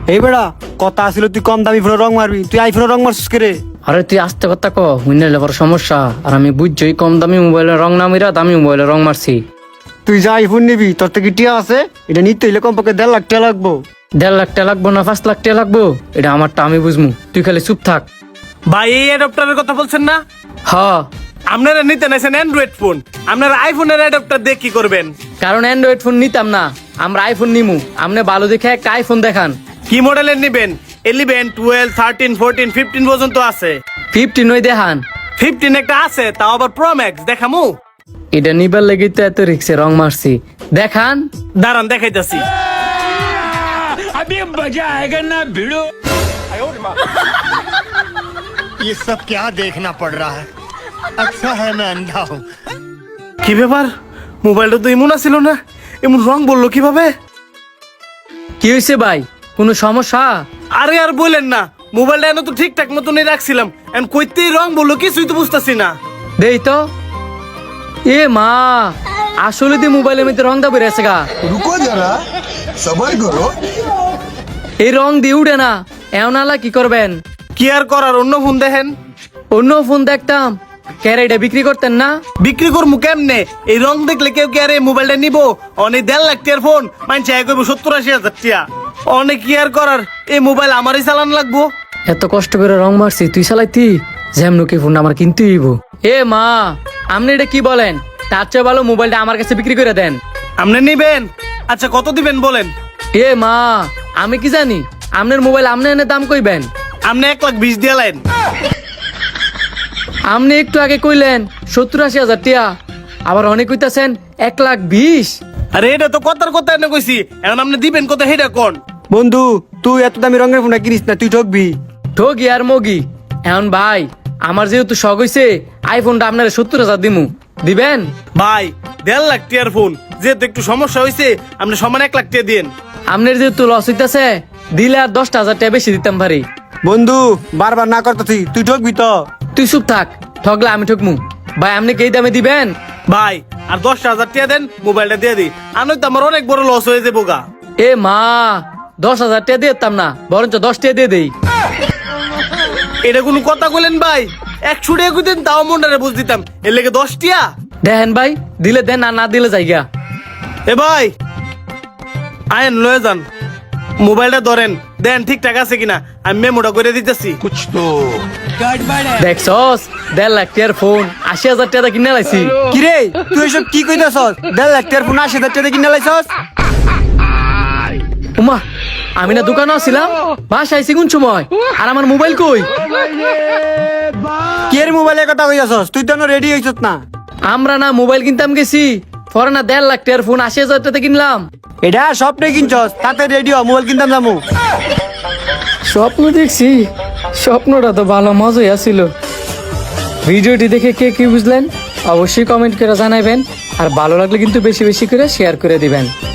এই বেড়া কথা আসিল তুই কম দামি ফোনে রং মারবি, তুই আইফোনে রং মারছিস কে রে? আরে তুই আস্তে কথা ক, হুইনাইলে বড় সমস্যা। আর আমি বুঝছই কম দামি মোবাইলে রং না মিরা দামি মোবাইলে রং মারছি। তুই যা আইফোন নিবি তোর থেকে টিয়া আছে, এটা নিতে হইলে কমপক্ষে 1.5 লাখ টাকা লাগবো। 1.5 লাখ টাকা লাগবো না 5 লাখ টাকা লাগবো, এটা আমারটা আমি বুঝমু, তুই খালি চুপ থাক। ভাই এই অ্যাডাপ্টারের কথা বলছেন না? হ, আপনারা নিতে নাইছেন অ্যান্ড্রয়েড ফোন, আপনারা আইফোনের অ্যাডাপ্টার দিয়ে কি করবেন? কারণ অ্যান্ড্রয়েড ফোন নিতাম না, আমরা আইফোন নিমু। আপনি ভালো দেখে একটা আইফোন দেখান। কি মডেলের নিবেন? 11, 12, 13, 14, 15 পর্যন্ত আছে। 15 ওই দেখান। 15 একটা আছে, তাও আবার প্রো ম্যাক্স। দেখামু? এটা নিবার লেগে তো এত রিক্সে রং মারছি, দেখান। দাঁড়ান দেখাইতাছি। ये सब क्या देखना पड़ रहा है। अच्छा है मैं अंधा हूँ। কি ব্যাপার, মোবাইলটা তো এমন ছিল না, এমন রং বললো কিভাবে? কি হয়েছে ভাই, কোনো সমস্যা? আরে আর বলেন না, মোবাইলটা এনে তো ঠিকঠাক মতনই রাখছিলাম, এখন কইতেই রং বললো, কিছুই তো বুঝতেছি না। দেই তো। এ মা, আসলে দি মোবাইলের মধ্যে রং দাবি রেছে গা। रुको जरा सबर करो। এই রং দিয়ে উঠে না, এমন আলা কি করবেন? কি আর করার, অন্য ফোন দেখেন। অন্য ফোন দেখতাম, ক্যারেটা বিক্রি করতেন না? বিক্রি করবো কেমনে? এই রং দেখলে কেউ কি আর এই মোবাইলটা নিবো? অনেক 1.5 লাখ টাকার ফোন মানছে 70-80 হাজার টাকা। অনেক কি আর করার, এই মোবাইল আমারই চালান লাগবো। এত কষ্ট করে রং মারছি, তুই চালাইতি? যেমন কি ফোন আমার কিনতে হইব। এ মা, আপনি এটা কি বলেন? তার চেয়ে ভালো মোবাইলটা আমার কাছে বিক্রি করে দেন। আপনি নিবেন? আচ্ছা কত দিবেন বলেন। এ মা, আমি কি জানি আপনার মোবাইল আপনি এনে দাম কইবেন? আপনি 1,20,000 দিয়ে লাইন। আপনি একটু আগে কইলেন 70-80 হাজার টিয়া, আবার অনেক কইতাছেন 1,20,000। আরে এটা তো কথার কথা এনে কইছি, এখন আপনি দিবেন কত হেটা কোন? বন্ধু তুই এত দামি রঙের ফোনটা কিনিস না, তুই ঠকবি। ঠগি আর মগি, এখন ভাই আমার যেহেতু শখ হইছে, আইফোনটা আপনার 70,000 দিমু, দিবেন? ভাই 1.5 লাখ টাকার ফোন, যেহেতু একটু সমস্যা হয়েছে, আপনি সমান 1 লাখ টাকা দিন। আপনার যেহেতু লস হইতাছে, দিলে আর 10,000 টাকা বেশি দিতাম পারি। বন্ধু বারবার না করতেছি, তুই ঠকবি তো। তুই চুপ থাক, ঠগলা আমি ঠকমু। ভাই আপনি কি এই দামে দিবেন? ভাই আর 10,000 টাকা দেন, মোবাইলটা দিয়ে দিই, আর নয়তো আমার অনেক বড় লস হয়ে যাবো গা। এ মা, 10,000 টাকা দিয়ে দিতাম না, বরঞ্চ 10 টাকা দিয়ে দেই। এটা কোনো কথা বলেন ভাই? 100 টাকা কইতেন তাও মনটারে বুঝ দিতাম, এর লেগে 10 টাকা। দেখেন ভাই, দিলে দেন আর না দিলে যাইগা। এ ভাই আয়েন লয়ে যান, মোবাইলটা ধরেন, দেন ঠিকঠাক আছে কিনা, আমি মেমোটা করে দিতেছি। कुछ तो দেখছস, 1.5 লাখ টাকার ফোন 80,000 টাকা কিনে লাইছি। কিরে তুই এসব কি কইতাছস? 1.5 লাখ টাকার ফোন 80,000 টাকা কিনে লাইছস? উমা, আমি না দোকানে ছিলাম, বাসায় আইছি কোন সময়, আর আমার মোবাইল কই? কি এর মোবাইলের কথা কইতাছস? তুই তো রেডি হইছস না। আমরা না মোবাইল কিনতাম গেছি, পরে না 1.5 লাখ টাকার ফোন 80,000 টাকা কিনলাম। এটা স্বপ্নে কিনছস, তাতে রেডিও মোবাইল কিনতাম যামু। স্বপ্ন দেখছি, স্বপ্নটা তো ভালো মজাই আছিল। ভিডিওটি দেখে কে কি বুঝলেন অবশ্যই কমেন্ট করে জানাবেন, আর ভালো লাগলে কিন্তু বেশি বেশি করে শেয়ার করে দিবেন।